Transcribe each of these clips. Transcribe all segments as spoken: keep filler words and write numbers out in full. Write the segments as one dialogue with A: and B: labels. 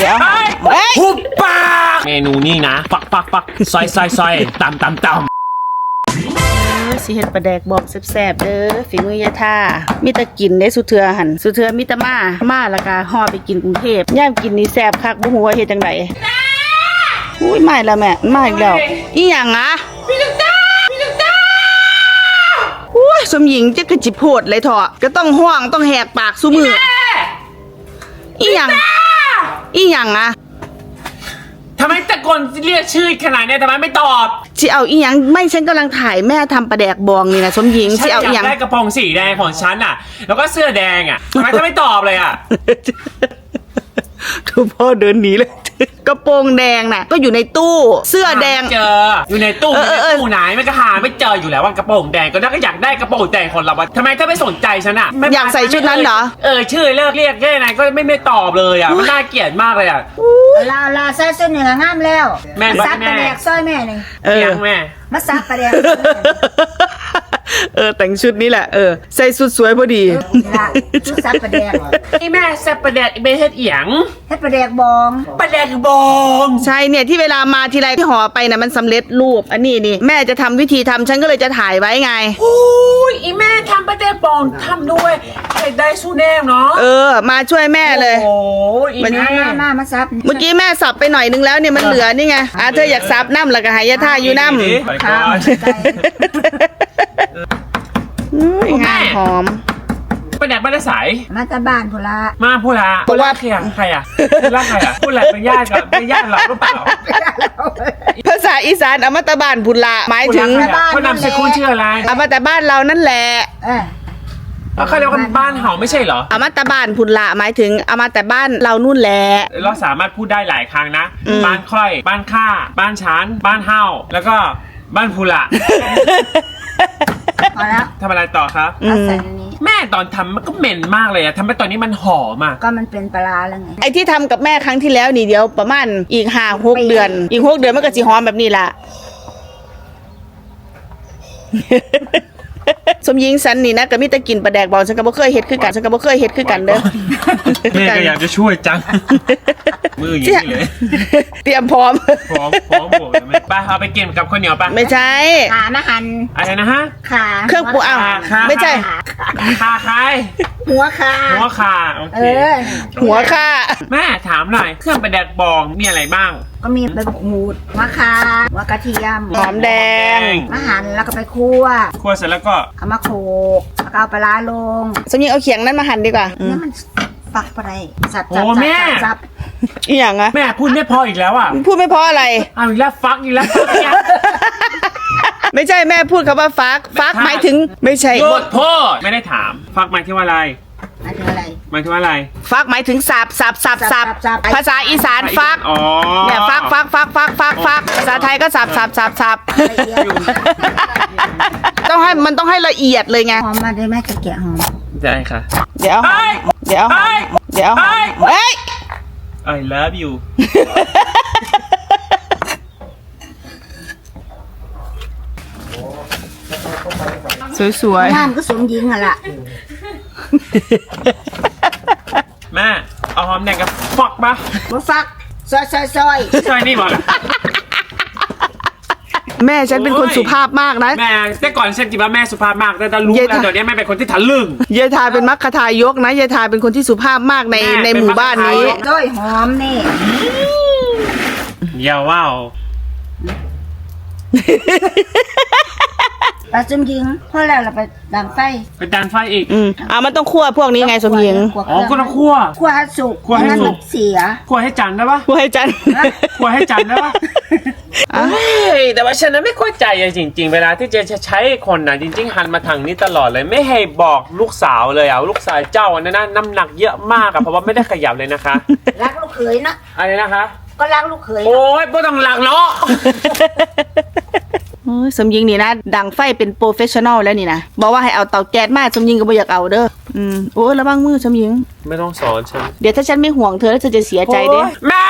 A: ดี๋ยว
B: หุบปากเมนูนี่นะฟักฟักฟักซอยซอยซอยตำตำตำ
A: สิเฮ็ดปลาแดกบอกแซ่บๆเด้อฝีมือยายท่ามีแต่กินได้สุเทือหันสุเทือมีแต่มามาแล้วก็ห่อไปกินกรุงเทพย่ามกินนี่แซ่บคักบ่ฮู้ว่าเฮ็ดจังไดอุ้ยมาอีกแล้วแม่มาอีกแล้วอีหยังอ่ะพี่ลูกตาพี่ลูกตาอุ้ยสมหญิงจะกระจิโพดเลยเถอะก็ต้องห้องต้องแหกปากซุมืออีหยังอีหยังอ่ะ
B: ทำไมตะโกนเรียกชื่อขนาดนี้ทำไมไม่ตอบ
A: สิเอาอีหยังไม่ฉันกำลังถ่ายแม่ทำปลาแดกบองนี่นะสมหญิงสิเอาอีหยัง
B: ได้กระโปรงสีแดงของฉันอ่ะแล้วก็เสื้อแดงอ่ะทำไมเธอไม่ตอบเลยอ่ะ
A: ทุกพ่อเดินหนีเลยกระโปรงแดงน่ะก็อยู่ในตู้เสื้อแดง
B: เจออยู่ในตู้ในตู้ไหนมันก็หาไม่เจออยู่แล้วว่ากระโปรงแดงก็น่าก็อยากได้กระโปรงแดงคนเราทำไมเธอไม่สนใจฉันอ่ะ
A: อยากใส่ชุดนั้นเหรอ
B: เออชื่อเลิกเรียกแค่ไหนก็ไม่ไม่ตอบเลยอ่ะมันน่าเกลียดมากเลยอ่ะ
C: ลาลาใส่ชุดเหนืองามแล้ว
B: แม่
C: ซับปลาแดกซอยแม่หนึ่ง
A: เออ
B: แม่
C: มาซับปลาแดก
A: เออแต่งชุดนี้แหละเออใส่สุดสวยพอดี
C: ชุดซับปลาแดก
B: นี่แม่ซับปลาแดกไม่เฮ็ดเอียง
C: เฮ็ดปลาแดกบอง
B: ปลาแดกบอง
A: ใช่เนี่ยที่เวลามาทีไรที่ห่อไปนะมันสำเร็จรูปอันนี้นี่แม่จะทำวิธีทำฉันก็เลยจะถ่ายไว้ไง
B: โอ้ยอีแม่ทำปลาแดกบองทำด้วยใครได้สู้แน่เนาะ
A: เออมาช่วยแม่เลย
B: โอ้ยอีแม่
C: มามาซับ
A: เมื่อกี้แม่สับไปหน่อยนึงแล้วเนี่ยมันเหลือนี่ไงอ่ะเธออยากสับน้ำแล้วก็หายาท่าอยู่น้ำงานหอม
B: ปลาแดกบ้านสาย
C: มาตาบ้านพูละ
B: มาพูละพูละใครอ่ะใครอ่ะพูละใครอ่ะพูละเป็นญาติกับเป็นญาติเราหรือเปล่า
A: ภาษาอีสานอมตะบ้านพุละหมายถึง
B: เขานำสกุลชื่ออะไร
A: อมตะบ้านเรานั่นแหละ
B: แล้วเขาเรียกว่าบ้านเห่าไม่ใช่เหรอ
A: อมตะบ้านพุละหมายถึงอมตะบ้านเรานู่นแหละ
B: เราสามารถพูดได้หลายครั้งนะบ้านค่อยบ้านข้าบ้านชั้นบ้านเห่าแล้วก็บ้านพุละ
C: พอแล้ว
B: ทำอะไรต่อครับแม่ตอนทำมันก็เหม็นมากเลยอะทำให้ตอนนี้มันหอมอะ
C: ก็มันเป็นปลาแล้วไง
A: ไอ้ที่ทำกับแม่ครั้งที่แล้วนี่เดียวประมาณอีกห้าหกเดือนอีกหกเดือนมันก็จะหอมแบบนี้ละสมยิงสันนี่นะก็มีแต่กินปลาแดกบอลฉันก็บ่เคยเฮ็ดคือกันฉันก็บ่เคยเฮ็ดคือกันเด้อ
B: แม่ก็อยากจะช่วยจังมืออย่างนี้เลย
A: เตรียมพร้อม
B: พร้อมพร้อมบวกเลยไปเอาไปกินกับข้าวเหนียวปะ
A: ไม่ใช่
C: ขามาหั่น
B: อะไรนะฮะ
C: ขา
A: เครื่องปรุงอ้าวไม่ใช่
B: ขาใคร
C: หัวขา
B: หัวขาโอเค
A: หัวขา
B: แม่ถามหน่อยเครื่องปลาแดกบองมีอะไรบ้าง
C: ก็มีใบมะกรูดหัวขาหัวกระเทียม
A: หอมแดง
C: มาหั่นแล้วก็ไปคั่ว
B: คั่วเสร็จแล้วก็
C: เอามาโขลกแล้วก็เอาปลาลง
A: สมยิงเอาเขียงนั้นมาหั่นดีกว่า
C: เนี่ยมันฟักไปสับ
B: โอ้แม่
A: อีหยังอะ
B: แม่พูดไม่พออีกแล้วอ่ะ
A: พูดไม่พออะไร
B: เอาอีกแล้วฟักอีกแล้ว
A: ไม่ใช่แม่พูดคำว่าฟักฟักหมายถึงไม่ใช่
B: หยุดพูดไม่ได้ถามฟักหมายถึงอะไร
C: หมายถึงอะไร
B: หมายถึงอะไร
A: ฟักหมายถึงสับสับสับสับภาษาอีสานฟักเนี่ยฟักฟักฟักฟักฟักฟักภาษาไทยก็สับสับสับสับต้องให้มันต้องให้ละเอียดเลยไง
C: หอมมาได้แม่จะแกะหอม
B: ได้ค่ะ
A: เดี๋ยวเดี๋ยวเดี๋ยวเฮ้ย
B: I love you
A: สวย
C: ๆงามก็สมยิงอ่ะล่ะ
B: แม่เอาหอมแดงกับฟักปะ
C: มาฟักซอยซอยซอย
B: ซอยนี่บอกเลย
A: แม่ฉันเป็นคนสุภาพมากนะ
B: แม่แต่ก่อนฉันคิดว่าแม่สุภาพมากแต่ตอนรู้แล้วเดี๋ยวนี้แม่เป็นคนที่ทะลึ่ง
A: ยายทาเป็นมัคคทายกนะยายทาเป็นคนที่สุภาพมากในในหมู่บ้านนี้
C: ด้อยหอมนี่
B: อย่าว้าว
C: ปลาสมยิงพอแล้วเราไปดังไฟ
B: ไปดังไฟอีก
A: อืมอ่ามันต้องคั่วพวกนี้ไงสมยิง
B: อ๋อก็ต้องคั่ว
C: คั่วให้สุก
B: คั่วให้สุก
C: เสีย
B: คั่วให้จันได้ปะ
A: คั่วให้จัน
B: คั่วให้จันได้ปะเฮ้ยแต่ว่าฉันนั้นไม่เข้าใจจริงๆเวลาที่เจจะใช้คนน่ะจริงๆหันมาทางนี้ตลอดเลยไม่ให้บอกลูกสาวเลยอ่ะลูกสาวเจ้าอันนั้นน้ำหนักเยอะมากอ่ะเพราะว่าไม่ได้ขยับเลยนะคะ
C: รักลูกเขยนะ
B: อะไรนะคะ
C: ก็รักลูกเขย
B: โอ้ยไม่ต้องรักเนาะ
A: สมยิงนี่นะดังไฟเป็นโปรเฟชชั่นอลแล้วนี่นะบอกว่าให้เอาเตาแก๊สมาสมยิงก็ไม่อยากเอาเด้ออืมโอ้ระวังมือสมยิง
B: ไม่ต้องสอนฉัน
A: เดี๋ยวถ้าฉันไม่ห่วงเธอแล้วเธอจะเสียใจเด้
B: แม่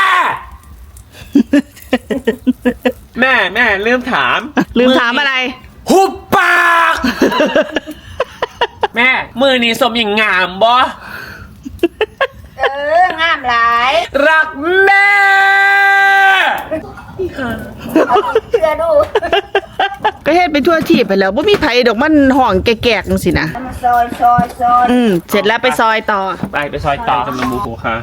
B: แม่แม่ลืมถาม
A: ลืมถามอะไร
B: หุบปากแม่มือนี้สมยิงงามบ่
C: เอองามหลาย
B: รักแม่
C: เอาเชื่อดู
A: ก็เฮ็ดไปทั่วที่ไปแล้วบ่มีไผดอกมันห้องแก่ๆจังซี่นะ
C: เอามาซอยซอยซอย
A: อืมเสร็จแล้วไปซอยต่อ
B: ไปไปซอยต่อจำนวนหมูหูค่ะ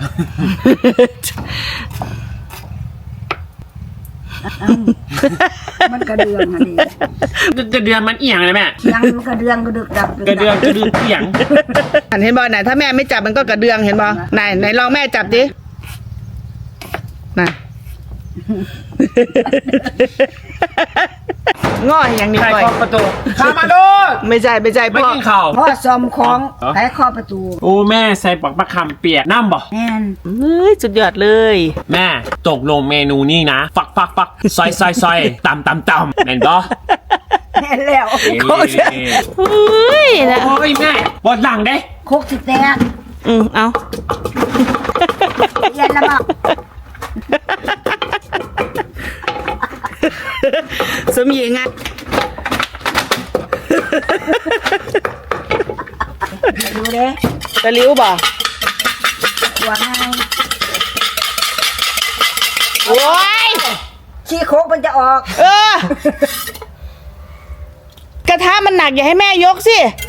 C: มันกระเดืองอันนี้
B: กระเดือนมันเอียงเลยแม่
C: ยังมันกระเดืองกระดึกดับ
B: กระเดือนกระเดือนเอียง
A: อันเห็นบ่ไหนถ้าแม่ไม่จับมันก็กระเดืองเห็นบ่ไหนไหนลองแม่จับดิน่ะ ง้ออย่างนี้
B: ใคร
A: ก่อย
B: เคาะประตูข้ามาโดน
A: ไม่ใช่ไม่ใช่
B: ไม่
A: พ่อ
B: กินข้าว
C: พ่อซอมของไขข้อประตู
B: โอ้แม่ใส่ปักมะขามเปียกน้ำบ่
C: แม่น
A: เฮ้ยสุดยอดเลย
B: แม่ตกลงเมนูนี้นะ ฟักฟักฟักซอยซอยซอยตำตำตำแม่นบ่
C: แม่นแล้ว
B: เอ้ย
A: เฮ้ยนะ
B: โอ้ยแม่บดหลังเด้
C: โคกสิแตก
A: อืมเอา
C: เย็นแล้วบอก
A: สมหญิงอ่ะ
C: ดูเด้
A: ตะลิ้วบ่
C: หัวให้
A: โอ้ย
C: ชี้โคกมันจะออก
A: เออ กระทะมันหนักอย่าให้แม่ยกสิ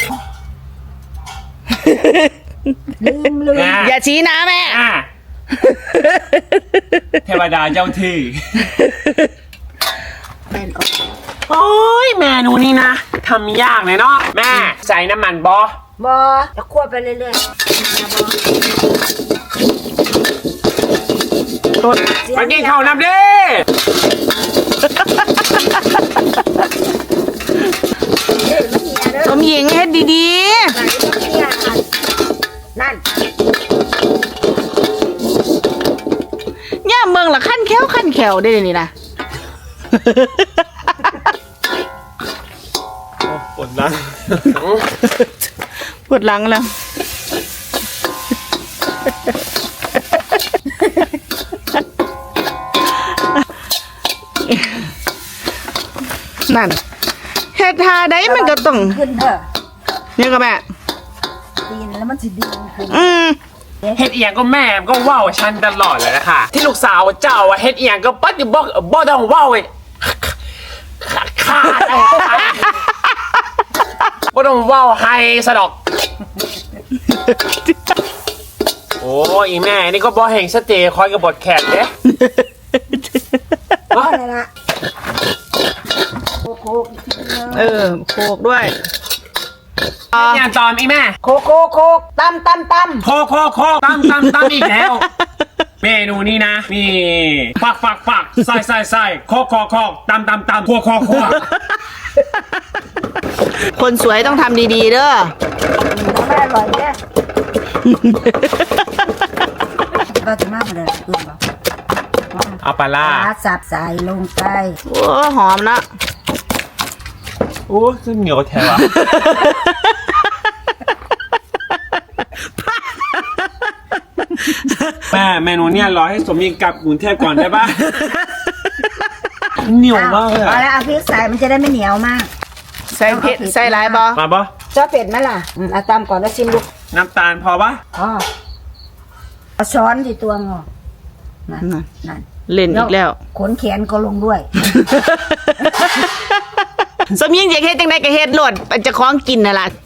C: ลืมลืม
B: แม่
A: อย่าชี้นะแม่
B: อ่ะเทวดาเจ้าที่
C: แม่นออก
B: โอ้ยเมนูนี้นะทำยากเลยเนาะแม่ใส่น้ำมันบอบ
C: อจะคั่วไปเรื่อยๆนะบอ
A: ต้น
B: มากินข้าวน้ำดิ
C: เฮ้ยมันเหี่ยเด้อ
A: สมหญิงเฮ็ดดี
C: ไหนมันเหี่ยนั่น
A: ๆย่าเมืองละขั้นแค้วขั้นแขวได้เลยนี่นะ
B: ปวดหลัง
A: ปวดหลังแล้ว นั่นเฮ็ดทาได้มันก็ต้อง
C: ขึ้นเถอะ
A: เนี่ยก็แม่
C: ตีนแล้วมันสิดีขึ้น
A: อืม
B: เฮ็ดเอียงก็แม่ก็ว่าวฉันตลอดเลยนะคะที่ลูกสาวเจ้าอะเฮ็ดเอียงก็ปัดอยู่บอกบ่ต้องว่าวเลยขาดบ่ต้องว่าวให้สะดอก โอ้ยแม่นี่ก็บ่แห่งสเตย์คอยกับบทแขกเด้
C: อ๋อนั่นละโคกโคกอีกทีนึง
A: เออโขกด้วยอ่า
B: เนี่ยตอมอีแม่
C: โคกโคกโคกตำตำตำ
B: โคโคโคตำตำตำอีกแล้ว เมนูนี้นะนี่ฟักฟักฟักใส่ใส่ใส่โคโคโคตำตำตำคั่วคั่วคั่ว
A: คนสวยต้องทำดีๆเด้อ
C: แล้วไม่อร่อยเนี่ยเราจะมากเลยอื่นบอก
B: เอาปลาล่า
C: ปลาสับใส่ลงไป
A: โอ้หอมนะ
B: โอ้ซึ่งเหนียวแท้วะ แม่เมนูเนี่ยรอให้สมยิงกลับกรุงเทพก่อนได้ปะเหนียวมากเลย
C: เอา
B: อะ
C: แล้วเอาพริกใส่มันจะได้ไม่เหนียวมาก
A: ใส่เผ็ดใส่หลายบอ
B: มาปะ
C: ชอบเผ็ดไหมล่ะอืมเอาตำก่อนแล้วชิมดู
B: น้ำตาลพอปะ
C: อ๋อเอาช้อนที่ตัวงอนั่นนั่น
A: เล่นอีกแล้ว
C: ขนแขนก็ลงด้วย
A: สมยิงอยากเฮ็ดจังไดก็เฮ็ดโลดมันจะคล้องกินน่ะล่ะ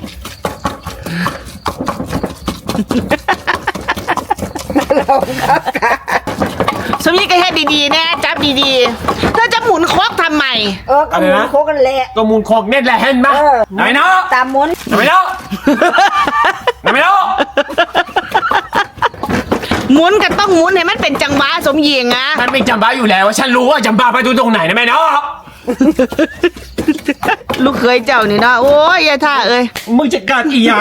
A: สมยิงก็เฮ็ดดีๆแน่จับดีๆถ้าจะหมุนครกทำไม
C: เออก็หมุนโคกกันแหละ
B: ก็มูลโคกเน็ตแหละเห็นปะ
C: เออ
B: ไหนเนาะ
C: ตามหมุน
B: ไหนเนาะไหนเนาะ
A: หมุนก็ต้องหมุนให้มันเป็นจังหวะสมยิงอะ
B: มันเป็นจำบ้าอยู่แล้วว่าฉันรู้ว่าจำบ้าไปดูตรงไหนนะแม่เนาะ
A: ลูกเคยเจ้านี่เนาะโอ้ยยายท่าเอ้ย
B: มึงจะกัดอีหยัง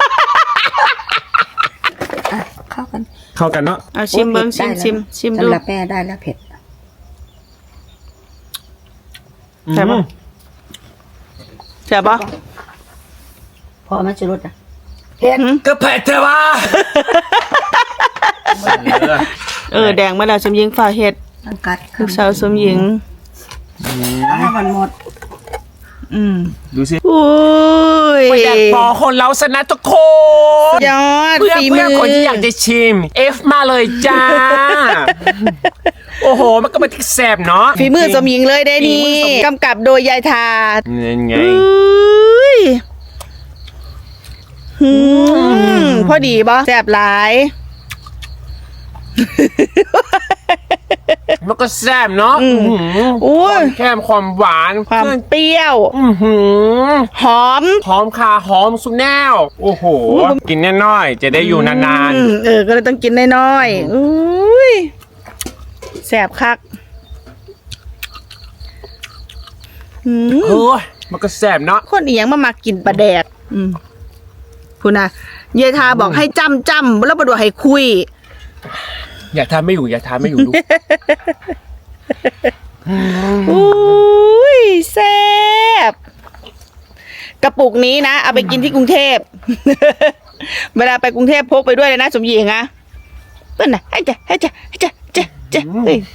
C: อ่ะเข้ากัน
B: เข้ากันเนาะ
A: เอาชิมเบิ้งชิมชิมชิมดู
C: สำหรับแม่ได้แล้วเผ็ด
A: ใช่ปะ ใช่ปะ
C: พอไหมจุรุดอ่ะเผ็ด
B: ก็เผ็ดเถอะวะ
A: เออแดงมาแล้วสมยิงฝ่าเฮ็ด
C: ต้องกัด
A: ลูกสาวสมหญิง
C: เอาให้มันหมด
A: อืม
B: ดูสิ
A: อุ้ย
B: ไม่อยากบอกคนเราสนะทุกคน
A: ยอด
B: เพื่อ
A: ฝีมื
B: เพื่อคนที่อยากจะชิม F มาเลยจ้า โอ้โห มันก็มาที่แสบเนาะ
A: ฝีมือสมหญิงเลยได้นี่
B: ฝีมือสมหญิง
A: กำกับโดยยายทา
B: นี่ไง
A: อุ้ยหืมพอดีบ่แซ่บหลาย
B: มันก็แซ่บเนาะ
A: อืม
B: อื้อหือ
A: อุ้ย
B: ความแค่มความหวาน
A: ความเปรี้ยว
B: อื้อหือ
A: หอม
B: หอมคาหอมสุดแนว โอ้โห กินแน่น้อยจะได้อยู่นาน
A: อืมเออ ก็เลยต้องกินน้อยๆอุ้ยแซ่บคักหืม
B: ๆเฮ้ยมันก็แซ่บเนาะ
A: คนอีหยังมามากินปลาแดก อืมพูนะยายทาบอกให้จำจำแล้วบดว่าให้คุย
B: อย่าทำไม่อยู่อย่าทำไม่อยู่ดู
A: อุ้ยแซ่บกระปุกนี้นะ เอาไปกินที่กรุงเทพ เวลาไปกรุงเทพพกไปด้วยเลยนะสมหญิงอะเปิ้ลน่ะให้จ้ะให้จ้ะให้จ้ะจ้ะจ้ะเฮ้ย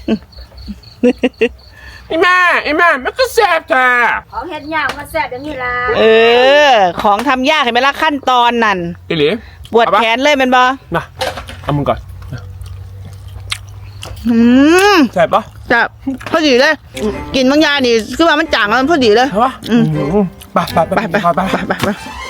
B: ไอ้แม่ไอ้แม่มันก็แซ่บจ้า
C: ของเฮ็ดยากมาแซ่บอย่างนี้ล่ะ
A: เออ ของทำยากเห็นไหมล่ะขั้นตอนนั่น
B: ไอ้หลี
A: ปวดแขนเลยแมันบอ
B: มาเอามึงก่อน
A: อืม
B: แซ่บปะ
A: จะพอดีเลย กินบางอยางนี่คือว่ามันจางแล้วมันพอดีเลย
B: ใช่ปะ
A: อืม
B: ไปไปไป
A: ไปไป
B: ไป
A: ไป
B: ไป
A: ไปไป